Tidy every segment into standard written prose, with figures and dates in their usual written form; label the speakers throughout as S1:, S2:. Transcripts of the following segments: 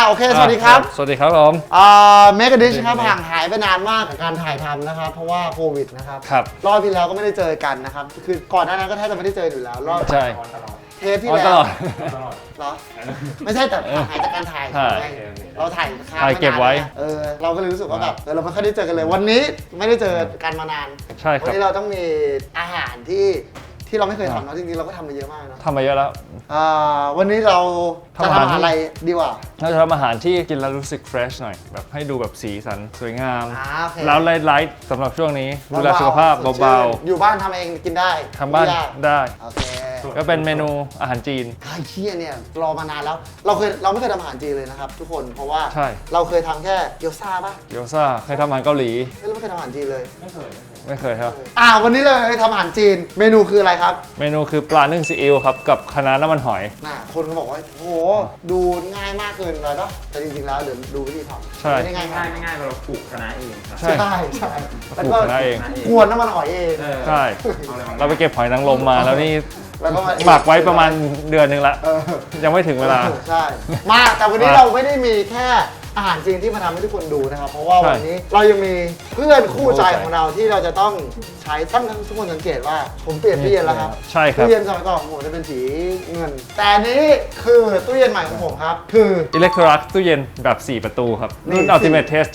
S1: โอเคสวัสดีครับ
S2: สวัสดีครับผม
S1: เมกะดิชครับห่างหายไปนานมากกับการถ่ายทำนะครับเพราะว่าโควิดนะครับ
S2: ครับ
S1: รอบที่แล้วก็ไม่ได้เจอกันนะครับคือก่อนหน้านั้นก็แทบจะไม่ได้เจออยู่แล้วรอบ
S2: ใช่
S1: เทปที่แล้ว
S2: ตลอด
S1: เหรอไม่ใช่แต่ห่างหายจากการถ่าย
S2: ใช่
S1: ไงเราถ่ายค้าง
S2: ถ่ายเก็บไว้
S1: เราก็เลยรู้สึกว่าแบบเราไม่ค่อยได้เจอกันเลย วันนี้ไม่ได้เจอกันมานาน
S2: ใช่ค
S1: วั
S2: รับ
S1: นี้เราต้องมีอาหารที่เราไม่เคยทำเนาะจริงๆเราก็ทำมาเยอะมากเนาะ
S2: ทำมาเยอะแล้ว
S1: วันนี้เราจะ
S2: ทำอาหาร
S1: ทำอาหารอะไรดีกว่า
S2: เราจะทำอาหารที่กินแล้วรู้สึกเฟรชหน่อย แบบให้ดูแบบสีสันสวยงาม
S1: โอเค
S2: แล้วไลท์สำหรับช่วงนี้ดูแลสุขภาพเบา
S1: ๆอยู่บ้านทำเองกินได้
S2: ๆทำบ้าน
S1: ไม่ยก
S2: ได้
S1: โอเค
S2: ก็เป็นเมนูอาหารจีน
S1: ไอ้เชี่ยเนี่ยรอมานานแล้วเราไม่เคยทำอาหารจีนเลยนะครับทุกคนเพราะว่า
S2: ใช่
S1: เราเคยทำแค่เกี๊ยวซ่าป่ะ
S2: เกี๊ยวซ่าเคยทำอาหารเกาหลี
S1: เราไม่เคยทำอาหารจีนเลย
S2: ไม่เคยครับ
S1: วันนี้เลยทำอาหารจีนเมนูคืออะไรครับ
S2: เมนูคือปลานึ่งซีอิ๊วครับกับคะน้าน้ำมันหอย
S1: คนก็บอกว่าโอ้โหดูง่ายมากเกินไปปะแต่จริงๆแล้วเดี๋ยวดูวิธีทำ
S2: ใช่
S1: ไม่ได้ง่ายมาก
S3: ไม่ง่ายเราปลูกคะน้าเองครับ
S2: ใช่
S1: ใช่ใช่
S2: ปลูกคะน้าเอง
S1: กวนน้ำมันหอยเอง
S2: ใช่ เราไปเก็บหอยนางรมมาแล้วนี่
S1: แล้วก็มา
S2: หมักไว้ประมาณเดือนหนึงละ
S1: เออ
S2: ยังไม่ถึงเวลา
S1: ใช่มาแต่วันนี้
S2: มา
S1: เราไม่ได้มีแค่อาหารจีนที่มาทำให้ทุกคนดูนะครับ เพราะว่า
S2: ใช่
S1: วันนี้เรายังมีเพื่อนคู่ใจของเราที่เราจะต้องใช้ทั้งทุกคนสังเกตว่าผมเปลี่ยนตู้เย็นแล้วครับ
S2: ใช่ครับ
S1: ตู้เย็นสมัยก่อนของผมจะเป็นสีเงิน แต่อันนี้คือตู้เย็นใหม่ของผมครับ คือ
S2: อิเล็กโทรักตู้เย็นแบบ 4 ประตูครับ รุ่น
S1: นี่
S2: Ultimate Taste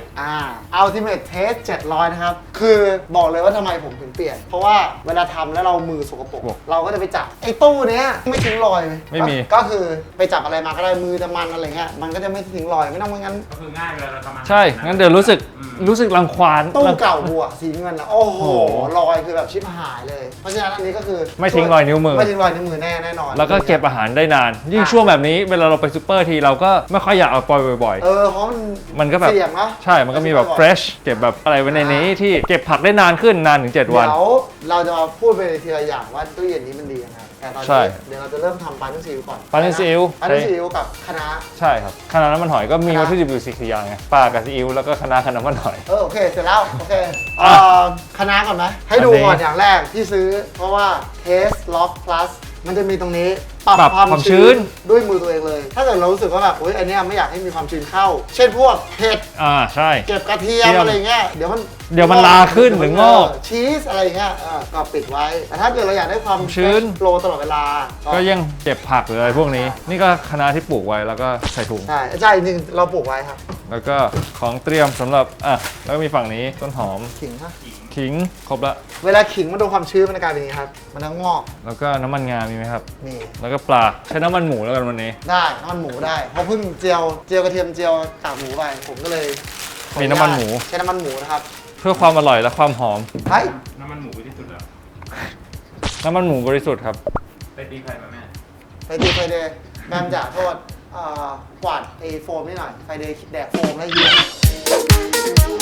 S2: 700
S1: Ultimate Taste 700 นะครับ คือบอกเลยว่าทำไมผมถึงเปลี่ยน เพราะว่าเวลาทำแล้วเรามือสกปรกเราก็จะไปจับไอ้ตู้เนี้ยไม่ทิ้งรอยเลย
S2: ไม่มี
S1: ก็คือไปจับอะไรมาก็ได้มือจะมันอะไรเงี้ยมันก็จะไม่ทิ้งรอยไม่ต้องงั้น
S3: ก็คือง่ายเวลาเราทำอาหาร
S2: ใช่ งั้นเดี๋ยวรู้สึกรังควาน
S1: ตู้เก่าบัวสีเงินนะโอ้โหรอยคือแบบชิบหายเลย เพราะฉะนั้นอันนี้ก็คือ
S2: ไม่ทิ้งรอยนิ้วมือ
S1: ไม่ทิ้งรอยนิ้วมือแน่นอน
S2: แล้วก็เก็บอาหารได้นาน ยิ่งช่วงแบบนี้เวลาเราไปซูเปอร์ทีเราก็ไม่ค่อยอยากเอาปล่อยบ่อย
S1: เพราะ
S2: ๆ มันก็แบบ
S1: เสี่ยงเนาะ
S2: ใช่ มันก็มีแบบ fresh เก็บแบบอะไรไว้ในนี้ที่เก็บผักได้นานขึ้นนานถึง 7 วัน
S1: เดี๋ยวเราจะมาพูดไปทีละอย่างว่าตู้เย็นนี้มันดียังไงแต่ตอน
S2: ใช่
S1: นี้เดี๋ยวเราจะเริ่มทำปลานึ่งซีอิ๊วก่อน
S2: ปลานึ่งซีอิ๊ว
S1: ปลานึ่งซีอิ๊วกับคะน้า
S2: ใช่ครับคะน้าน้ำมันหอยก็มีวัตถุดิบอยู่4 อย่างไงปลากับซีอิ๊วแล้วก็คะน้าน้ำมันหอย
S1: โอเคเสร็จแล้วโอเค
S2: อ่ะ
S1: คะน้าก่อนไหมให้ดู
S2: อันนี้
S1: ก่อนอย่างแรกที่ซื้อ เพราะว่า Taste Lock Plus มันจะมีตรงนี้ป
S2: ปรั
S1: รับบ ความ
S2: ความชื้
S1: ชื้น
S2: น
S1: ด้วยมือตัวเองเลย ถ้าเกิดเรารู้สึกว่าแบบโอ๊ยอันเนี้ยไม่อยากให้มีความชื้นเข้า เช่นพวกเห็ด
S2: ใช่
S1: เก็บกระเทียม
S2: เทียม
S1: อะไรเงี้ยเดี๋ยวมัน
S2: ลาขึ้นหรืองอก
S1: ชีสอะไรเงี้ยก็ปิดไว้ แต่ถ้าเกิดเราอยากได้ความ
S2: ชื้น
S1: โฟลว์ตลอดเวลา
S2: ก็ยังเก็บผักหรืออะไรพวกนี้ นี่ก็คะน้าที่ปลูกไว้แล้วก็ใส่ถุง
S1: ใช่จริงๆเราปลูกไว้ครับ
S2: แล้วก็ของเตรียมสำหรับแล้วก็มีฝั่งนี้ต้นหอม
S1: ขิงฮะ
S2: ขิงครบละ
S1: เวลาขิงมันโดนความชื้นมันจะกลายเป็นอย่างนี้ครับมันจะงอก
S2: แล้วก็น้ำมันงามีไหมครับ
S1: นี่
S2: แล้วก็ปลาใช้น้ำมันหมูแล้วกันวันนี้
S1: ได้น้ำมันหมูได้เพราะเพิ่งเจียวกระเทียมเจียวกากหมูไปผมก็เลยขออ
S2: มี
S1: ญาต
S2: น้ำมันหมู
S1: ใช้น้ำมันหมูนะครับ
S2: เพื่อความอร่อยและความหอม
S1: เฮ้ย
S3: น้ำมันหมูที่สุดแล้ว
S2: น้ำมันหมูบริสุทธิ์ครับ
S3: ไปตีไข่มาแม่
S1: ไปดีไฟเดย์แบมจ่าโทษกวาดไอ้โฟมนี่หน่อยไฟเดย์แดกโฟมแล้วเหี้ย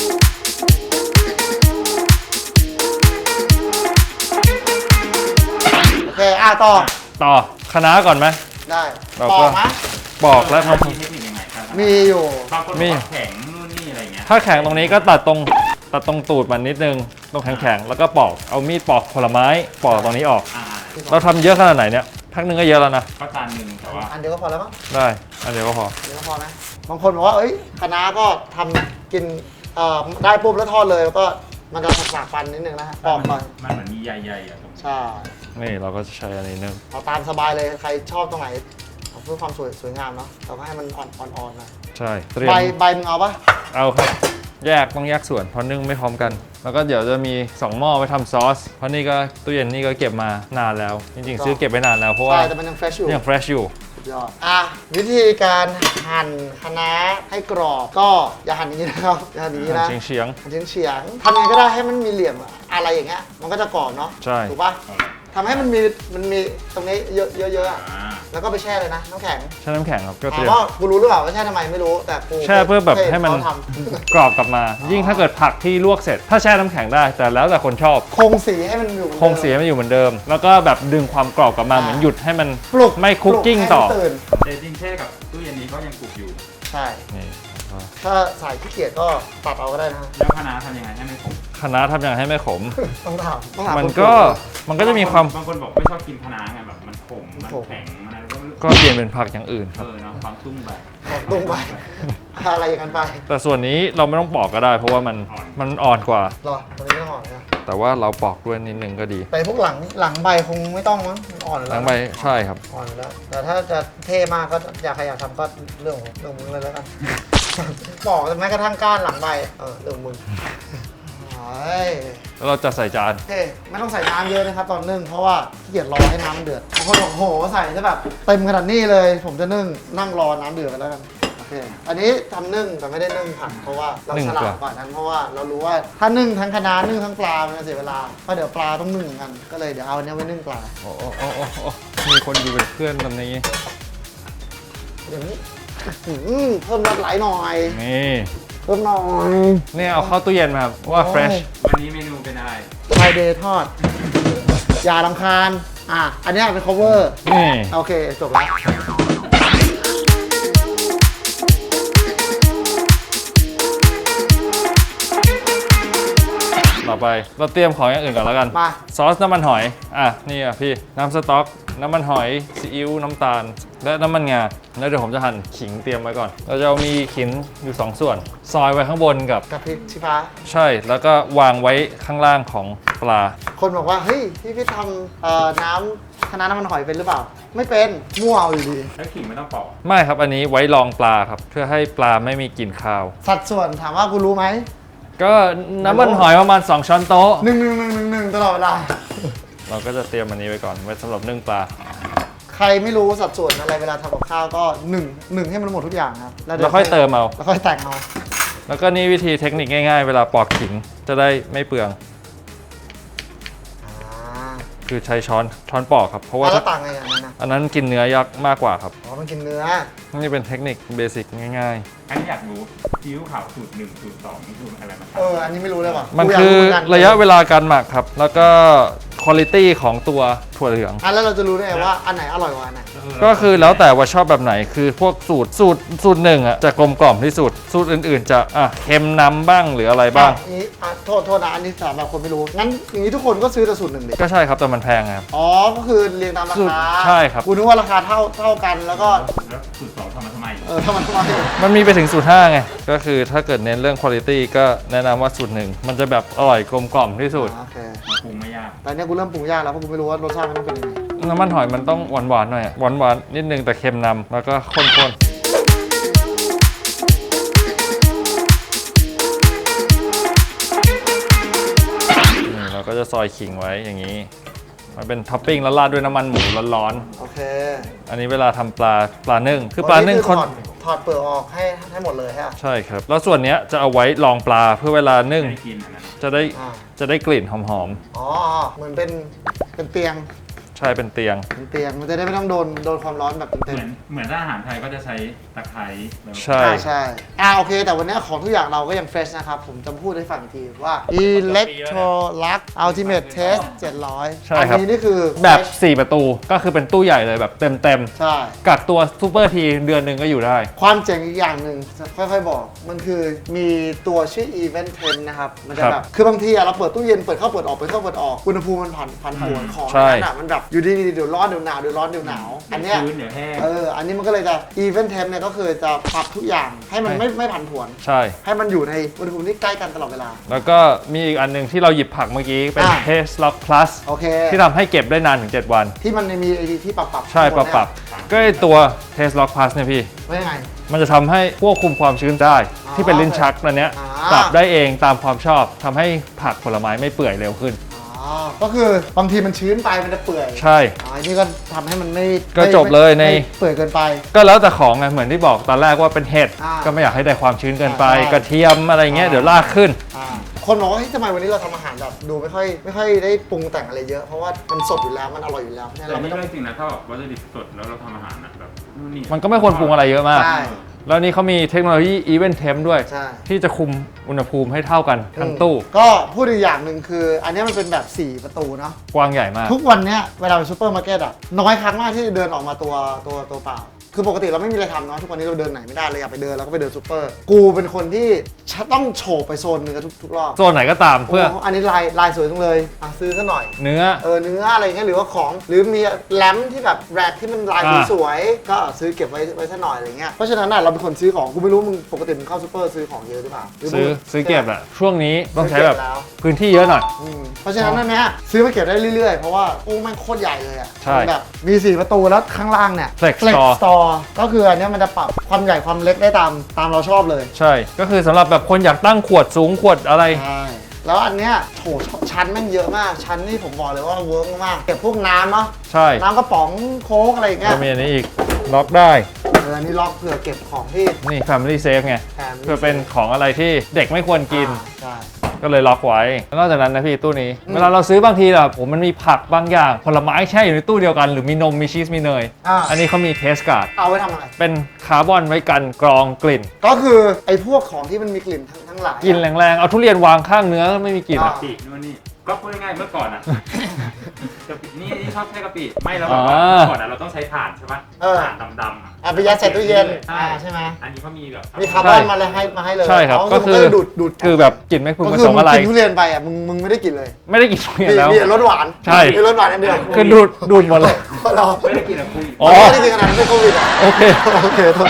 S1: โอเคต่อ
S2: คะน้าก่อนไหไหม
S1: ได้
S2: เรา
S1: ป
S2: ก็
S1: อกไหม
S2: ปอกแล้วท
S3: มีเทคนิคยังไงครับ
S1: มีอยู่
S3: บางคนบอกว่าแข็งนู่นนี่อะไรเงี้ย
S2: ำถ้าแข็งตรงนี้ก็ตัดตรงตูดมันนิดนึงตรงแข็งๆแล้วก็ปอกเอามีดปอกผลไม้ปอกตรงนี้ออก เราทำเยอะขนาดไหนเนี่ยพักหนึงก็เยอะแล้วนะ
S3: ก็จานหนึ่งแต่ว่า
S1: อันเดียวก็พอแล้วมั้ง
S2: ได้อันเดียวก็พอ
S1: อันเดียวก็พอไหมบางคนบอกว่าเอ้ยคะน้าก็ทำกินได้ปุ๊บแล้วทอดเลยแล้วก็มันจะสักๆฟันนิดนึงนะฮะปอกก่อน
S3: มันเหมือนมีใยๆอ่ะตรง
S1: ใช่
S2: นี่เราก็จะใช้อันนี้นึง
S1: เอาตามสบายเลยใครชอบตรงไหนเอาเพื่อความสวยงามเนาะเราก็ให้มันอ่อนๆนะ
S2: ใช่เตรียม
S1: ใบมึงเอาปะ
S2: เอาครับต้องแยกส่วนเพราะนึ่งไม่พร้อมกัน แล้วก็เดี๋ยวจะมี2หม้อไว้ทำซอสเพราะนี่ก็ตู้เย็นนี่ก็เก็บมานานแล้ว จริงๆซื้อเก็บไว้นานแล้วเพราะว่า
S1: ใช่แต่มันยังเฟรชอยู่
S2: ยังเฟรชอยู่
S1: สุดยอดวิธีการหั่นคะน้าให้กรอบก็อย่าหั่นอย่างนี้นะครับอย่าหั่นอย่างนี้นะ
S2: เฉียง
S1: หั่นเฉียงๆทำยังไงก็ได้ให้มันมีเหลี่ยมอะไรอย่างเงี้ยมันก็จะกรอบเนาะ
S2: ใช่
S1: ถูกปะทำให้มันมีตรงนี้เยอะๆอะ
S3: อ่า
S1: แล้วก็ไปแช่เลยนะน้ำแข็ง
S2: ๆใช้น้ำแข็งครับก็เต
S1: ถาม
S2: รียม
S1: ว่ากูรู้หรือเปล่าว่าแช่ทำไมไม่รู้แต่กู
S2: แช่เพื่อแบบให้มัน
S1: เขาท
S2: กรอบกลับมา ยิ่งถ้าเกิดผักที่ลวกเสร็จ ถ้าแช่น้ำแข็งได้ แต่แล้วแต่คนชอบ
S1: ำคงสีให้มันอยู่
S2: คงเสียมันอยู่เหมือนเดิม แล้วก็แบบดึงความกรอบกลับมาเหมือนหยุดให้มัน
S1: ปลุก
S2: ไม่คุกกิ้ง
S1: ให้
S2: ต่อ
S1: มันตื่น
S3: แต่จริงๆแช่กับตู้เย็นนี้ก็ยังปลูกอยู่
S1: ใช่
S2: นี่
S1: ถ้าสายขี้เกียจก็ตัดเอาก็ได้นะ
S3: แล้วคะน้าทำยังไงให้ไม่ขม
S2: คะน้าทำยังไงให้ไม่ขม
S1: ต้องถาม
S2: มันก็จะมีความ
S3: บางคนบอกไม่ชอบกินคะน้าไงแบบมันขมมันแข็งมันอะไรก็ไม่รู้
S2: ก็เปลี่ยนเป็นผักอย่างอื่นครับ
S3: เนาะความตุ้มแบบ
S1: ของตรงไปอะไรอย่างนั้นไป
S2: แต่ส่วนนี้เราไม่ต้องปอกก็ได้ เพราะว่ามันอ่อนกว่า
S1: หรอวันนี้ไม่ต้องอ่อนนะ
S2: แต่ว่าเราปอกด้วยนิดนึงก็ดี
S1: แต่พวกหลังใบคงไม่ต้องมั้งมันอ่อนอยู่
S2: ห
S1: แล้
S2: ลั
S1: ว
S2: งใบใช่ครับ
S1: อ่อนอยู่แล้วแต่ถ้าจะเท่มากก็อยากใครอยากทำก็เรื่องของมึงเลยแล้วกัน บอกแม้กระทั่งก้านหลังใบเรื่องของมึงโอ้ย
S2: แล้วเราจะใส่จาน
S1: โอเคไม่ต้องใส่น้ำเยอะนะครับตอนนึ่งเพราะว่าขี้เกียจรอให้น้ำมันเดือดบางคนบอกโหใส่ได้แบบเต็มขนาดนี้เลย ผมจะนึ่งนั่งรอน้ำเดือดไปแล้วกันโอเคอันนี้ทำนึ่งแต่ไม่ได้นึ่งผักเพราะว่าเราฉลาดกว่านั้นเพราะว่าเรารู้ว่าถ้านึ่งทั้งคะน้านึ่งทั้งปลามันจะเสียเวลาเพราะเดี๋ยวปลาต้องนึ่งเหมือนกันก็เลยเดี๋ยวเอาอันนี้ไว้นึ่งปลา
S2: โอ้มีคนอยู่เป็นเพื่อนตอนนี้
S1: เดี๋ยวนี้เพิ่มรสไหลหน่อย
S2: นี่
S1: เพิ่มหน่อย
S2: นี่เอาเข้าตู้เย็นมาครับว่า fresh
S3: วันนี้เมนูเป็นอะไร
S1: ไฟเดย์ทอดอย่ารำคาญอันนี้เป็น cover
S2: นี่
S1: โอเคจบแล้ว
S2: ต่อไปเราเตรียมของอย่างอื่นก่อนแล้วกัน
S1: มา
S2: ซอสน้ำมันหอยนี่พี่น้ำสต๊อกน้ำมันหอยซีอิ๊วน้ำตาล และน้ำมันงาแล้วเดี๋ยวผมจะหั่นขิงเตรียมไว้ก่อน เราจะมีขิงอยู่2ส่วน ซอยไว้ข้างบนกับ
S1: กับพริกชี้ฟ้า
S2: ใช่แล้วก็วางไว้ข้างล่างของปลา
S1: คนบอกว่าเฮ้ยพี่ทำน้ำคะน้าน้ำมันหอยเป็นหรือเปล่า ไม่เป็นมั่วเอาอยู่ดี
S3: แล้วขิงไม่ต้องปอก
S2: ไม่ครับอันนี้ไว้รองปลาครับเพื่อให้ปลาไม่มีกลิ่นคาว
S1: สัดส่วนถามว่ากูรู้ไหม
S2: ก็น้ำมันหอยประมาณ2ช้อนโต๊ะ
S1: 1 ตลอดเวลา
S2: เราก็จะเตรียมอันนี้ไว้ก่อนไว้สำหรับนึ่งปลา
S1: ใครไม่รู้สัดส่วนอะไรเวลาทำกับข้าวก็1ให้มันหมดทุกอย่างครับ
S2: แล้วค่อยเติมเอา
S1: แล้วค่อยแต่งเอา
S2: แล้วก็นี่วิธีเทคนิคง่ายๆ เวลาปอกขิงจะได้ไม่เปลือง คือใช้ช้อนปอกครับ เพราะว่า
S1: แล้วต่างไงอย่างนั้นนะ
S2: อันนั้นกินเนื้อยักษ์มากกว่าครับ
S1: อ๋อมันกินเนื้อ
S2: นี่เป็นเทคนิคเบสิกง่าย
S3: อันนี้อยากรู้ซีอิ๊วขาวสูตร1สูตร2นี่คืออะไรมา
S1: อันนี้ไม่รู้เลยว่ะ
S2: ๆ มัน
S1: กูยาก
S2: คือ
S1: เหกั
S2: ระยะเวลาการหมักครับ แล้วก็คุณภาพของตัวถั่วเหลือง
S1: แล้วเราจะรู้ได้ไงว่าอันไหนอร่อยกว่าอันไหน
S2: ก็คือแล้วแต่ว่าชอบแบบไหนคือพวกสูตรหนึ่งจะกลมกล่อมที่สุดสูตรอื่นๆ จะเค็มน้ำบ้างหรืออะไรบ้าง
S1: นี้โทษนะอันนี้สำหรับคนไม่รู้ งั้นอย่างนี้ทุกคนก็ซื้อแต่สูตรหนึ่งดิ
S2: ก็ใช่ครับแต่มันแพงครับ
S1: อ๋อ ก็คือเรียงตามรา
S2: สูตร
S1: คา
S2: ใช่ครับ
S1: กูนึกว่าราคาเท่ากันแล้วก็
S3: แล้วสูตร2ทำมาทำไม
S1: ทำไม
S2: มันมีไปถึงสูตร5ไงก็คือถ้าเกิดเน้นเรื่องคุณภาพก็แนะนำว่าสูตรหนึ่งมันจะแบบอร่อยกลมกล่อมที่สุด
S1: โอเค
S3: มาปรุงไม่ยาก
S1: แต่เนี้ยกูเริ่มปรุงยากแล้วเพราะกูไม่รู้ว่ารสชาติมันต้องเป็นยังไง
S2: น้ำมันหอยมันต้องหวานๆหน่อยหวานๆนิดนึงแต่เค็มนำแล้วก็ข้นๆนี่เราก็จะซอยขิงไว้อย่างนี้มันเป็นท็อปปิ้งแล้วราดด้วยน้ำมันหมูร้อน
S1: โอเค
S2: ๆอันนี้เวลาทำปลานึ่งคือปลานึ่ง
S1: คื
S2: คน
S1: ถอดเปลือกออกให้หมดเลยฮะ
S2: ใช่ครับ แล้วส่วนเนี้ยจะเอาไว้รองปลาเพื่อเวลานึ่ง
S3: ไม่ได้กินอันนั้น
S2: จะได้
S1: อ่า
S2: จะได้กลิ่นหอม
S1: อ๋อ เหมือนเป็นเตียง
S2: ๆใช่เป็นเตียง
S1: เป็นเตียง มันจะได้ไม่ต้องโดนความร้อนแบบเต็ม
S3: เหมือนถ้าอาหารไทยก็จะใช้ตะไคร้แล้ว
S2: ใช่
S1: ใช่โอเค แต่วันนี้ของทุกอย่างเราก็ยังเฟรชนะครับ ผมจะพูดให้ฟังอีกทีว่า Electrolux Ultimate Test 700
S2: ใช่ครับ
S1: อันนี้นี่คือ
S2: แบบ
S1: fresh
S2: 4 ประตูก็คือเป็นตู้ใหญ่เลยแบบเต็ม
S1: ใช่
S2: ๆกักตัวซูเปอร์ทีเดือนหนึ่งก็อยู่ได้
S1: ความเจ๋งอีกอย่างหนึ่งค่อยๆบอก มันคือมีตัวชื่อ Event Temp นะครับ มันจะ
S2: ครับ
S1: แบบ คือบางทีเราเปิดตู้เย็นเปิดเข้าเปิดออกเปิดเข้าเปิดออกอุณหภูมิมันผันผวนของ
S2: ใช่
S1: นั้นอ่ะมันแบบอยู่ดีๆเดี๋ยวร้อนเดี๋ยวหนาวเดี๋ยวร้อนเดี๋ยวหนาวอันเนี้ย
S3: ชื้นเดี๋ยวแห้ง
S1: อันนี้มันก็เลยจะ Event Temp เนี่ยก็คือจะปรับทุกอย่างให้มันไม่ผันผวน
S2: ใช่
S1: ให้มันอยู่ในอุณหภูมิที่ใกล้กันตลอดเวลา
S2: แล้วก็มีอีกอันหนึงที่เราหยิบผักเมื่อกี้เป็น
S1: อ่า
S2: Taste Lock Plus
S1: โอเค
S2: ที่ทำให้เก็บได้นานถึง 7 วัน
S1: ที่มันมีไอ้ที่ปรับ
S2: ใช่ปรับก็ไอตัว Taste Lock Plus เนี่ยพี่
S1: ว่ายังไง
S2: มันจะทำให้ควบคุมความชื้นได้
S1: อ๋อ
S2: ที่เป็นลิ้นชักอันเนี้ย
S1: อ่า
S2: ปรับได้เองตามความชอบทำให้ผักผลไม้ไม่เปื่อยเร็วขึ้น
S1: อ๋อก็คือบางทีมันชื้นไปมันจะเปื่อย
S2: ใช่
S1: อันนี้ก็ทำให้มันไม่
S2: ก็จบเลยใน
S1: ไม่เปื่อยเกินไป
S2: ก็แล้วแต่ของไงเหมือนที่บอกตอนแรกว่าเป็นเห็ด
S1: อ่า
S2: ก็ไม่อยากให้ได้ความชื้นเกินไป
S1: ใช่
S2: กระเทียมอะไรเงี้ย
S1: อ่า
S2: เดี๋ยวลากขึ้น
S1: คนบอกว่าเฮ้ยทำไมวันนี้เราทำอาหารแบบดูไม่ค่อยได้ปรุงแต่งอะไรเยอะเพราะว่ามันสดอยู่แล้วมันอร่อยอยู่แล้วเนี่ย
S3: แต่
S1: เรา
S3: ไม่
S1: ไม่ต้อง
S3: เรื่องจริงนะถ้าแบบวัตถุดิบสดแล้วเราทำอาหารนะแบบนู่นนี่
S2: มันก็ไม่ควรปรุงอะไรเยอะมาก
S1: ใช่
S2: แล้วนี่เขามีเทคโนโลยี Event Temp ด้วย
S1: ใช่
S2: ที่จะคุมอุณหภูมิให้เท่ากันทั้งตู้
S1: ก็พูดอีกอย่างหนึ่งคือ อันนี้มันเป็นแบบ 4 ประตูเนาะ
S2: กว้างใหญ่มาก
S1: ทุกวันเนี้ยเวลาไปซูเปอร์มาร์เก็ตอะน้อยครั้งมากที่จะเดินออกมาตัวเปล่าคือปกติเราไม่มีอะไรทำเนาะทุกวันนี้เราเดินไหนไม่ได้เลยอยากไปเดินเราก็ไปเดินซูเปอร์กูเป็นคนที่ต้องโฉบไปโซนเนื้อทุกรอบ
S2: โซนไหนก็ตามเพื่อ
S1: โอันนี้ลายสวยจังเลยซื้อซะหน่อย
S2: เนื้อ
S1: เนื้ออะไรเงี้ยหรือว่าของหรือมีแรมที่แบบแรกที่มันลายสวยๆก็ซื้อเก็บไว้ซะหน่อยอะไรเงี้ยเพราะฉะนั้นน่ะเราเป็นคนซื้อของกูไม่รู้มึงปกติมึงเข้าซูเปอร์ซื้อของเยอะหรือเปล่าหรืมึง
S2: ซื้อเก็บอะช่วงนี้ต้องใช้แบบ
S1: ซื้อเก็บแล้ว
S2: พื้นที่เยอะหน่อย
S1: เพราะฉะนั้นนั่นเนี่ยซื้อมาเก็บได้เรื่อยๆ เพราะว่าตู้แม่งโคตรใหญ่เลยอ่ะ
S2: ใช่
S1: แบบมี 4 ประตูแล้วข้างล่างเนี่ย
S2: Flex
S1: Store ก็คืออันเนี้ยมันจะปรับความใหญ่ความเล็กได้ตามเราชอบเลย
S2: ใช่ ก็คือสำหรับแบบคนอยากตั้งขวดสูงขวดอะไร
S1: ใช่แล้วอันเนี้ยโถชั้นแม่งเยอะมากชั้นนี่ผมบอกเลยว่าเวิร์กมากเก็บพวกน้ำเนาะ
S2: ใช่
S1: น้ำกระป๋องโค้กอะไรอย่างเงี้ย
S2: ก็มีอันนี้อีกล็อกได้
S1: อันนี้ล็อกเผื่อเก็บของที่
S2: นี่ Family Safe ไง
S1: แถม
S2: เพื่อเป็นของอะไรที่เด็กไม่ควรกิน
S1: ใช่
S2: ก็เลยล็อกไว้แล้วนอกจากนั้นนะพี่ตู้นี้ เวลาเราซื้อบางทีแบบผมมันมีผักบางอย่าง ผลไม้แช่อยู่ในตู้เดียวกัน หรือมีนมมีชีสมีเนย อันนี้เขามีเทสการ์ด
S1: เอาไว้ทำอะไร
S2: เป็นคาร์บอนไว้กันกรองกลิ่น
S1: ก็คือไอ้พวกของที่มันมีกลิ่นทั้งหลาย
S2: กลิ่นแรงๆ เอาทุเรียนวางข้างเนื้อไม่มีกลิ่น
S1: อ่า
S2: อะ
S3: กะปินู่นนี่ก็พูดง่ายๆเมื่อก่อนอ่ะ กะปินี่ชอบใช้กะปิไม่แล้วแบบว่า
S2: อ่า
S3: เมื่อก่อนอะเราต้องใช้ถ่านใช่ปะถ่านดำๆอะ
S1: เอาไปยัดใส่ตู้เย็นใช่ไหม
S3: อันนี้เขามีแบบ
S1: มีคาร์บอนมาเลยให้เลย
S2: ใช่ครับ
S1: อ๋อ
S2: ก็คือ
S1: มันดูด
S2: คือแบบกลิ่นไม่พึง
S1: ก็
S2: ผ
S1: คือ
S2: สม
S1: มึง
S2: อะไร
S1: กินทุเรียนไปอ่ะมึงไม่ได้กินเลย
S2: ไม่ได้กินทุเรียนแล้ว
S1: มีรสหวาน
S2: ใช่
S1: มีรสหวานอันเดียว
S2: คือดูดหมดเลย
S1: เรา
S3: ไม่ได้กินอะคุย
S2: อ๋อ
S1: ไม่ได้กินขนาดนั้นเป็นโควิดอ่ะ
S2: โอเค
S1: โอเคโทษ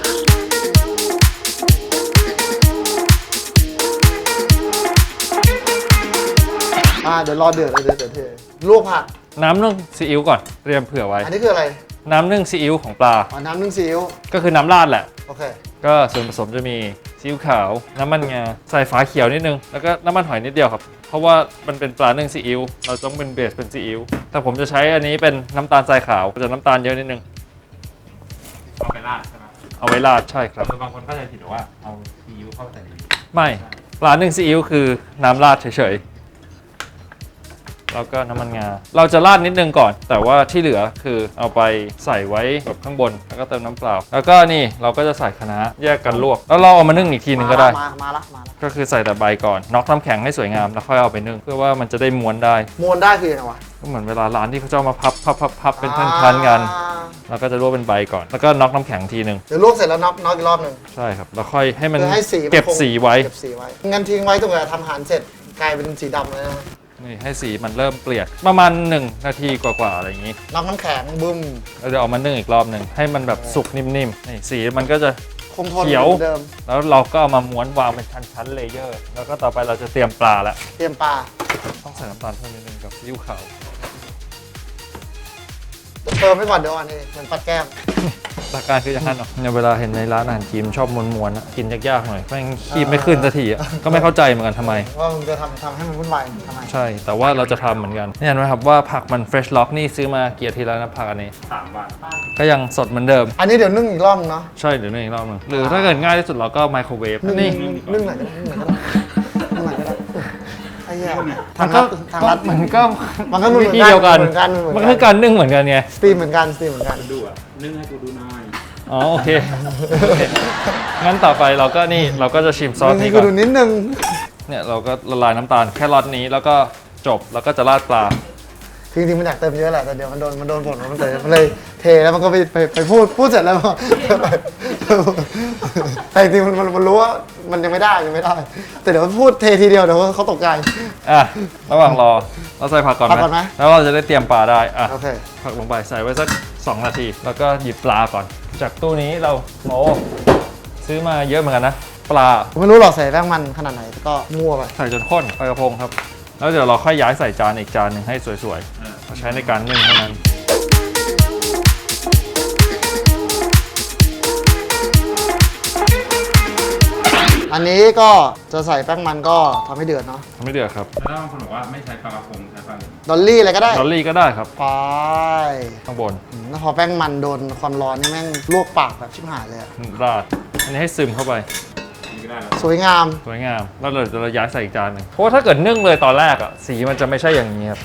S1: เดี๋ยวรอเดือดเลยเดี๋ยวเทลวกผัก
S2: น้ำนึ่งซีอิ๊วก่อนเตรียมเผื่อไว้
S1: อันนี้คืออะไร
S2: น้ำนึ่งซีอิ๊วของปลา
S1: น้ำนึ่งซีอิ๊ว
S2: ก็คือน้ำราดแหละ
S1: โอเค
S2: ก็ส่วนผสมจะมีซีอิ๊วขาว น้ำมันงา ใส่ฝาเขียวนิดนึง แล้วก็น้ำมันหอยนิดเดียวครับ เพราะว่ามันเป็นปลานึ่งซีอิ๊ว เราต้องเป็นเบสเป็นซีอิ๊ว แต่ผมจะใช้อันนี้เป็นน้ำตาลทรายขาวจะน้ำตาลเยอะนิดนึง
S3: เอาไปราดใช่ไหม
S2: เอาไว้ราดใช่ครับ
S3: บางคนเข้าใจผิดว่าเอาซีอิ๊วเข้าใส่ในนี้
S2: ไม่ปลานึ่งซีอิ๊วคือน้ำราดเฉยๆ แล้วก็น้ำมันงา เราจะราดนิดนึงก่อน แต่ว่าที่เหลือคือเอาไปใส่ไว้แบบข้างบน แล้วก็เติมน้ำเปล่า แล้วก็นี่เราก็จะใส่คะน้าแยกกันลวก แล้วเราเอามานึ่งอีกทีนึงก็ได้
S1: มาละ
S2: ก็คือใส่แต่ใบก่อน น็อกน้ำแข็งให้สวยงาม แล้วค่อยเอาไปนึ่ง เพื่อว่ามันจะได้ม้วนได้
S1: ม้วนได้คือยังไงวะ
S2: ก็เหมือนเวลาร้านที่เขาจะเอามาพับเป็นพันๆกัน แล้วก็จะลวกเป็นใบก่อน แล้วก็น็อกน้ำแข็งทีนึง
S1: เดี๋ยวลวกเสร็จแล้วน็อกอีกรอบหนึ่ง
S2: ใช่ครับ แล้วค่อยให้มัน
S1: เพื่อให้สีมัน
S2: เก็บ
S1: คง
S2: สีไว้
S1: เก็บสีไว้งั้นทิ้งไว้ตรงไหนทำอาหารเสร็จกลายเป็นสีดำเลยนะ
S2: นี่ให้สีมันเริ่มเปลี่ยน ประมาณ1 นาทีกว่าๆอะไรอย่างนี้
S1: น็อกน้ำแข็งบึ้ม
S2: เราจะเอามานึ่งอีกรอบหนึ่งให้มันแบบสุกนิ่มๆ นี่สีมันก็จะ
S1: คงทน
S2: เขียว
S1: หมือนเดิม
S2: แล้วเราก็เอามาม้วนวางเป็นชั้นๆเลเยอร์ แล้วก็ต่อไปเราจะเตรียมปลาแล้ว
S1: เตรียมปลา
S2: ต้องใส่น้ำตาลเพิ่มนิดนึงกับซีอิ๊วขาว
S1: เติมไปก่อนเดี๋ยวอันนี้เหมือนปัดแก้ม
S2: หลักการคืออย่างนั้นเนาะเนี่ยเวลาเห็นในร้านอาหารจีนชอบม้วนๆอะกินยากๆหน่อยแม่งคีบไม่ขึ้นสักทีอะก็ไม่เข้าใจเหมือนกันทำไม
S1: ว่ามึงจะทำให้มันวุ่นวายทำไม
S2: ใช่ แต่ว่าเราจะทำเหมือนกันเนี่ยเห็นไหมครับว่าผักมัน fresh lock นี่ซื้อมาเกียรติแล้วนะผักอันนี้
S3: 3 วัน
S2: ก็ยังสดเหมือนเดิม
S1: อันนี้เดี๋ยวนึ่งอีกรอบนึงเนาะ
S2: ใช่เดี๋ยวนึ่งอีกรอบหนึงหรือถ้าเกิดง่ายที่สุดเราก็ไมโครเวฟ
S1: นึ่ง
S2: นี่
S1: นึ่งไหนก็ได้นึ่งไหนก็ได้นึ่งไหนก็ได้ไอ้เหี้ย
S2: มั
S1: ทาง
S2: น
S1: รั
S2: ก็
S1: ดทางรัด
S2: มันก็
S1: มันก็เหมือน
S2: วิธีเดียวกัน
S1: เหมือนกัน
S2: มันคือการนึ่งเหมือนกันไง
S1: สตรีมเหมือนกันสตรีมเหมือนกัน
S3: ดูอ่ะนึ่งให้กูดูหน่อย
S2: อ๋อโอเค งั้นต่อไปเราก็นี่เราก็จะชิมซอส
S1: นึ่งให้
S2: นี้
S1: กู
S2: ก่อน
S1: ดูนิดนึง
S2: เนี่ยเราก็ละลายน้ำตาลแค่รอดนี้แล้วก็จบแล้วก็จะราดปลา
S1: คือจริงๆมันอยากเติมเยอะแหละแต่เดี๋ยวมันโดนผลมันเลยเทแล้วมันก็ไปพูดเสร็จแล้วแต่จริงๆมันรู้ว่ามันยังไม่ได้แต่เดี๋ยวพูดเททีเดียวเดี๋ยวเขาตกใจ
S2: อ่ะระหว่างรอเราใส่ผักก่อน
S1: ผักก่อนไหม
S2: แล้วเราจะได้เตรียมปลาได้อ่ะ
S1: โอเค
S2: ผักลงไปใส่ไว้สัก2 นาที แล้วก็หยิบปลาก่อน จากตู้นี้เราโอ้ซื้อมาเยอะเหมือนกันนะปลา
S1: ผมไม่รู้หรอกใส่แป้งมันขนาดไหนก็มั่วไป
S2: ใส่จนข้นปลากระพงครับ แล้วเดี๋ยวเราค่อยย้ายใส่จานอีกจานหนึ่งให้สวยๆเราใช้ในการนึ่งเท่านั้น
S1: อันนี้ก็จะใส่แป้งมันก็ทำให้เดือดเนาะ
S2: ทำไม่เดือดครับ
S3: แล้วบางคนบอกว่าไม่ใช้ปลากระพงใช้ปลาอะไร
S1: ดอลลี่อะไรก็ได้
S2: ดอลลี่ก็ได้ครับ
S1: ไป
S2: ข้างบน
S1: แล้วพอแป้งมันโดนความร้อนนี่แม่งลวกปากแบบชิบหายเลยอะ
S2: ราดอันนี้ให้ซึมเข้าไป
S3: นี่ก็ได้แล้ว
S1: สวยงาม
S2: สวยงาม แล้วเราจะย้ายใส่อีกจานหนึ่งเพราะว่าถ้าเกิดนึ่งเลยตอนแรกอ่ะสีมันจะไม่ใช่อย่างนี้ครับ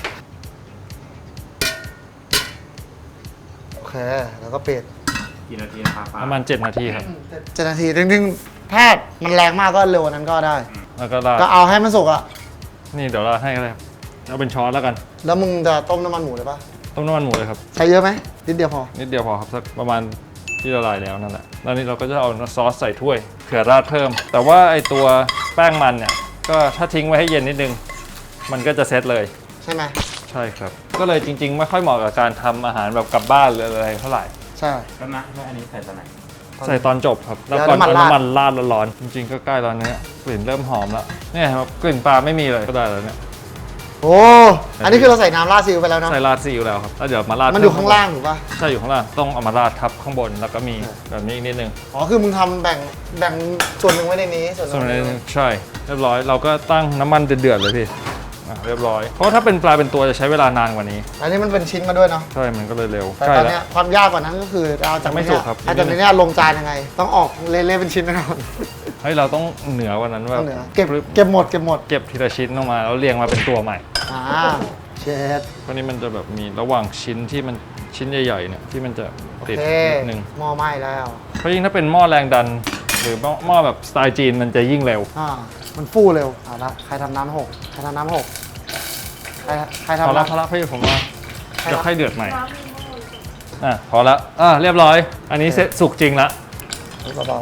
S1: โอเค แล้วก็ปิด
S3: กี่นาทีนะครับปลา
S2: ประมาณ7 นาทีครับ
S1: 7 นาทีจริงๆถ้ามันแรงมากก็เร็วกว่านั้นก็ได้
S2: แล้วก็ราด
S1: ก็เอาให้มันสุกอะ
S2: นี่เดี๋ยวราดให้ก็ได้ครับเอาเป็นช้อนแล้วกัน
S1: แล้วมึงจะต้มน้ำมันหมูเลยปะ
S2: ต้มน้ำมันหมูเลยครับ
S1: ใช้เยอะไหมนิดเดียวพอ
S2: นิดเดียวพอครับสักประมาณที่ละลายแล้วนั่นแหละแล้วนี่เราก็จะเอาซอสใส่ถ้วยเผื่อราดเพิ่ม แต่ว่าไอตัวแป้งมันเนี่ยก็ถ้าทิ้งไว้ให้เย็นนิดนึงมันก็จะเซตเลย
S1: ใช่ไหม
S2: ใช่ครับก็เลยจริงๆไม่ค่อยเหมาะกับการทำอาหารแบบกลับบ้านหรืออะไรเท่าไหร่
S1: ใช่
S3: แล้วนะแล้วอันนี้ใส่ตอนไหน
S2: ใส่ตอนจบครับแล้ว
S1: แล้ว
S2: ก่อน
S1: น้ำมัน
S2: เอา
S1: ราด
S2: น้ำมันราดร้อนๆจริงๆก็ใกล้แล้วเนี่ยกลิ่นเริ่มหอมแล้วเนี่ยครับกลิ่นปลาไม่มีเลยก็ได้แล้วเนี่ย
S1: โอ้อันนี้คือเราใส่น้ำราดซีอิ๊วไปแล้วเนาะ
S2: ใส่ราดซีอิ๊วแล้วครับแล้วเดี๋ยวมาราด
S1: มันอยู่ข้างล่างถูกป่ะ
S2: ใช่อยู่ข้างล่างต้องเอามาราดทับข้างบนแล้วก็มีแบบนี้อีกนิดนึง
S1: อ๋อคือมึงทำแบ่งส่วนหนึ่งไว้ในนี้ส่วนห
S2: ส่วน
S1: นึ่ง
S2: นี้
S1: ไว้ในนี้
S2: ใช่เรียบร้อยเราก็ตั้งน้ำมันเดือดๆเลยพี่เรียบร้อยเพราะถ้าเป็นปลาเป็นตัวจะใช้เวลานานกว่านี้
S1: อันนี้มันเป็นชิ้นมาด้วยเนาะ
S2: ใช่มันก็เลยเร็ว
S1: แต่
S2: ใช่
S1: ตอน
S2: แล้ว
S1: เนี้ยความยากกว่านั้นก็คือเอาจาก
S2: ไม่
S1: นี้
S2: สุกครับ
S1: เอาจากนี้ลงจานยังไง ต้องออกเละๆเป็นชิ้นแน่นอน
S2: เฮ้ยเราต้องเหนือกว่านั้นว่า
S1: ต้องเหนือเก็บหมด
S2: เก็บทีละชิ้นออกมาแล้วเรียงมาเป็นตัวใหม่
S1: อ่าเชด
S2: เพราะนี้มันจะแบบมีระหว่างชิ้นที่มันชิ้นใหญ่ๆเนี่ยที่มันจะ
S1: โอ
S2: ติด
S1: เค
S2: นิดนึง
S1: หม้อไหม้แล้ว
S2: เพราะยิ่งถ้าเป็นหม้อแรงดัน หรือหม้อแบบสไตล์จีนมันจะยิ่งเร็ว
S1: มันฟูเร็วเอาละใครทำน้ำหกใครทำน้ำหกใคร
S2: พอ
S1: ทำ
S2: ละ
S1: น้ำ
S2: พอละพี่ผมว่า
S1: ใคร
S2: จะ
S1: ทำ
S2: ค่อยเดือดใหม่พอละเรียบร้อย อันนี้เสร็จสุกจริงละ
S1: เบา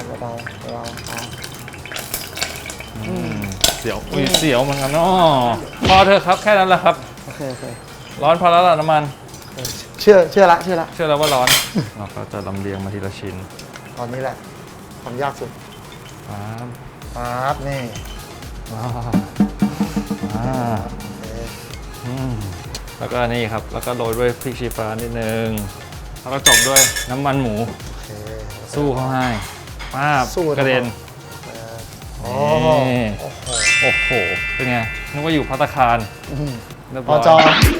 S2: เสียวอุ้ยเสียวเหมือนกันเนาะพอเถอะครับแค่นั้นแหละครับ
S1: โอเค
S2: ร้อนพอแล้วล่ะน้ำมัน
S1: เชื่อละ
S2: เชื่อแล้วว่าร้อน เราก็จะลำเลียงมาทีละชิ้น
S1: ตอนนี้แหละความยากสุด
S2: ปั๊บ
S1: ปั๊บนี่
S2: ว้าวแล้วก็นี่ครับแล้วก็โรยด้วยพริกชี้ฟ้านิดนึงแล้วก็จบด้วยน้ำมันหมู
S1: โอเค
S2: สู้เขาให้ป้าบ
S1: สู้
S2: กระเด็น
S1: โอ้
S2: นี่
S1: โห
S2: โอ้โห เป็นไง นึกว่าอยู่ภัตตาคารเรียบ
S1: พ
S2: ร้
S1: อย จอ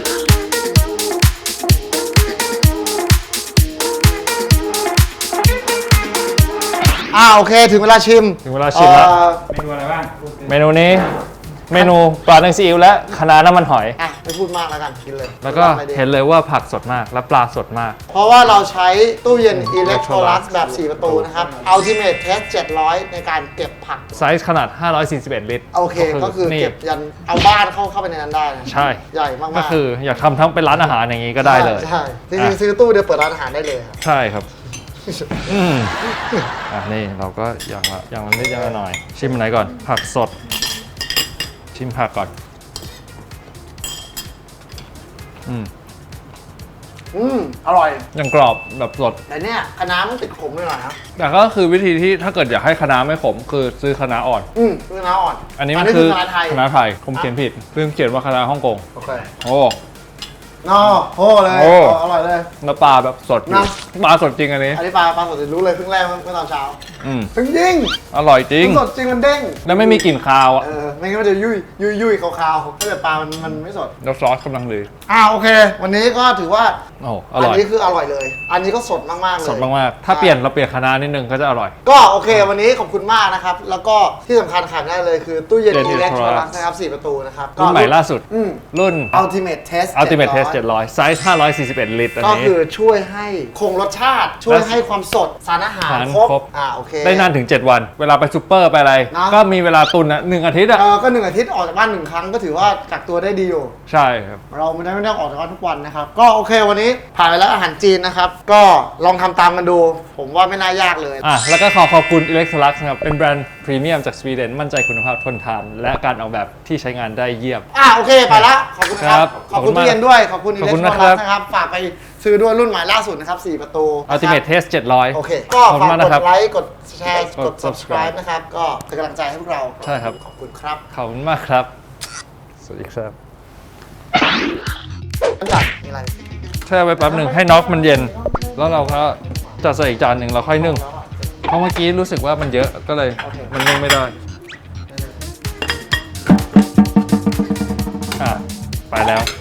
S1: โอเคถึงเวลาชิม
S2: ถึงเวลาชิมแล้ว
S3: เมนูอะไรบ้าง
S2: เมนูนี้ เมนูปลาแดงซีอิ๊วและคะน้าน้ำมันหอย
S1: ไม่พูดมากแล้วกันกินเลย
S2: แล้วก็เห็นเลยว่าผักสดมาก และปลาสดมาก
S1: เพราะว่าเราใช้ตู้เย็น Electrolux แบบ 4 ประตูนะครับ Ultimate Test 700 ในการเก็บผัก
S2: ไซส์ขนาด 541 ลิตร
S1: โอเค ก็คือ
S2: นี่
S1: เก็บยันเอาบ้านเข้าไปในนั้นได้นะ
S2: ใช่
S1: ใหญ่มากๆ
S2: ก็คืออยากทำทั้งเป็นร้านอาหารอย่างนี้ก็ได้เลย
S1: ใช่จริงๆซื้อตู้เดียวเปิดร้านอาหารได้เลยครับ
S2: ใช่ครับ นี่เราก็อย่างละนิดอย่างละหน่อย ชิมอันไหนก่อน ผักสด ชิมผักก่อน
S1: อร่อย
S2: ยังกรอบแบบสด
S1: แต่เนี่ยคะน้ามันติดขมหน่อยนะ
S2: แต่ก็คือวิธีที่ถ้าเกิดอยากให้คะน้าไม่ขมคือซื้อคะน้าอ่อน
S1: คือคะน้าอ่อน
S2: อันนี้มันคือ
S1: คะน้าไทย
S2: คะน้าไทยผมเขียนผิดเพิ่งเขียนว่าคะน้าฮ่องกง
S1: โอเค
S2: โอ้
S1: นอโอ้เลย
S2: โอ้
S1: อร่อยเลย
S2: แล้วปลาแบบสดอยู่
S1: นะ
S2: ปลาสดจริงอันนี้
S1: อันนี้ปลาสดรู้เลยเพิ่งแรกเมื่อตอนเช้า
S2: อืม
S1: เพิ่งยิง
S2: อร่อยจริง
S1: เพิ่งสดจริงมันเด้ง
S2: แล้วไม่มีกลิ่นคาวอ่ะ
S1: ไม่งั้นมันจะยุ่ยคาวๆถ้าเกิดปลามันไม่สด
S2: แล้วซอสกำลังดี
S1: โอเค วันนี้ก็ถือว่า
S2: โอ้อ
S1: อัน
S2: ร่อย
S1: นี้คืออร่อยเลย อันนี้ก็สดมากๆเลย
S2: สดมากๆถ้าเปลี่ยนเราเปลี่ยนคะน้านิดนึงก็จะอร่อย
S1: ก็โอเค วันนี้ขอบคุณมากนะครับ แล้วก็ที่สำคัญขาดไม่ได้เลยคือตู้เย็น
S2: เย็น
S1: Electrolux นะครับ 4 ประตูนะครับ
S2: รุ่นใหม่ล่าสุด รุ่น
S1: Ultimate Test
S2: Ultimate Test
S1: 700
S2: 700 ไซส์ 541 ลิตรอัน
S1: ก็
S2: นี้
S1: คือช่วยให้คงรสชาติ ช่วยให้ความสดสารอาหาร
S2: สาร
S1: ครบ
S2: ครบ
S1: โอเค
S2: ได้นานถึง 7 วัน เวลาไปซูเปอร์ไปอะไร
S1: เนอะ
S2: ก็มีเวลาตุนนะ1 อาทิตย์อ่ะ
S1: ก็1 อาทิตย์ออกจากบ้าน 1 ครั้งก็ถือว่ากักตัวได้ดีอยู่
S2: ใช่ครับ
S1: เราไม่ได้ออกจากบ้านทุกวันนะครับ ก็โอเควันนี้ผ่านไปแล้วอาหารจีนนะครับ ก็ลองทำตามกันดู ผมว่าไม่น่ายากเลย
S2: แล้วก็ขอบคุณ Electrolux นะครับ เป็นแบรนด์พรีเมียมจากสวีเดน มั่นใจคุณภาพทนทาน และการออกแบบที่ใช้งานได้เยี่ยม
S1: โอเคไปละขอบคุณนะค
S2: ครั
S1: รับ
S2: บ
S1: ขอบคุณ
S2: ขอบคุณมาก
S1: ตู้เย็นด้วย ขอบคุณ
S2: ขอบคุณนะ
S1: Electrolux
S2: ครับ
S1: นะครับ ฝากไปซื้อด้วยรุ่นใหม่ล่าสุดนะครับ 4 ประตูนะครับ
S2: Ultimate Test 700
S1: โอเค ก็
S2: ขอบคุ
S1: ฝาก
S2: ณมากนะ
S1: ก
S2: ครับ
S1: ดไลค์ กดแชร์ ก
S2: ก
S1: ด
S2: ด
S1: subscribe นะครับ ก็เป็นกำลังใจให้พวกเรา
S2: ใช่ครับ
S1: ขอบคุณครับ
S2: ขอบคุณมากครับ สวัสดีครับ
S1: อันดับมีอะไร
S2: แช่ไว้แป๊บหนึ่งให้น็อกมันเย็น แล้วเราก็จะใส่อีกจานหนึ่งเราค่อยนึ่ง เพราะเมื่อกี้รู้สึกว่ามันเยอะก็เลย
S1: โอเค
S2: มันนึ่งไม่ได้ ไปแล้ว